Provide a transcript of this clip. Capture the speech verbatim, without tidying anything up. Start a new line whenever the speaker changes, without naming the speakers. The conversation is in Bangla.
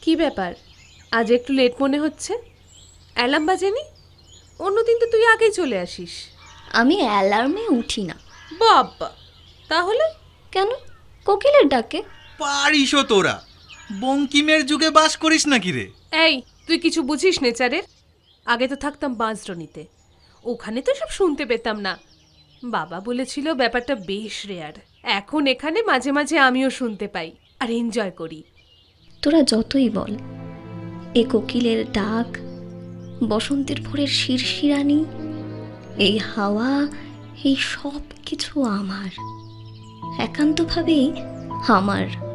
কি ব্যাপার, আজ একটু লেট মনে হচ্ছে? অ্যালার্ম বাজেনি? অন্যদিন তো তুই আগেই চলে আসিস।
আমি অ্যালার্মে উঠি না।
বাবা, তাহলে?
কেন? কোকিলের ডাকে।
পারিসও তোরা, বঙ্কিমের যুগে বাস করিস নাকি রে?
এই, তুই কিছু বুঝিস নেচারের? আগে তো থাকতাম বাঁশড্রোনিতে, ওখানে তো সব শুনতে পেতাম না। বাবা বলেছিল ব্যাপারটা বেশ রেয়ার। এখন এখানে মাঝে মাঝে আমিও শুনতে পাই আর এনজয় করি।
তোরা যতই বল, এ কোকিলের ডাক, বসন্তের ভোরের শিরশিরানি, এই হাওয়া, এই সব কিছু আমার, একান্তভাবেই আমার।